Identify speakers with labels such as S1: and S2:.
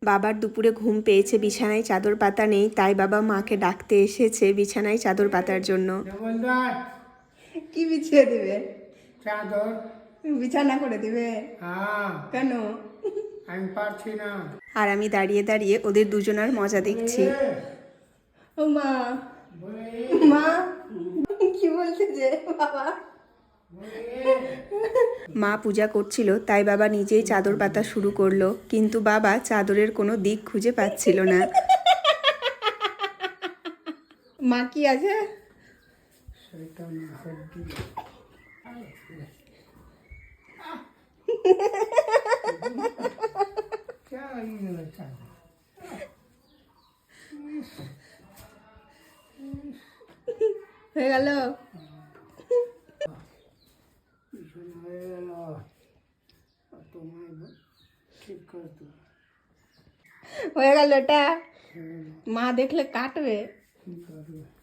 S1: বাবার দুপুরে ঘুম পেয়েছে, বিছানায় চাদর পাতা নেই, তাই বাবা মাকে ডাকতে এসেছে বিছানায় চাদর পাতার জন্য। কি বিছিয়ে দিবে?
S2: চাদর
S1: বিছানা করে দিবে?
S2: হ্যাঁ।
S1: কেন?
S2: আমি পারছি না।
S1: আর আমি দাঁড়িয়ে দাঁড়িয়ে ওদের দুজনার মজা দেখছি। ও মা, মা কি বলছে যে বাবা? মা পূজা করছিল, তাই বাবা নিজেই চাদর পাতা শুরু করলো, কিন্তু বাবা চাদরের কোনো দিক খুঁজে পাচ্ছিল না। মা কি আছে? হয়ে গেল? হয়ে গেল এটা? মা দেখলে কাটবে।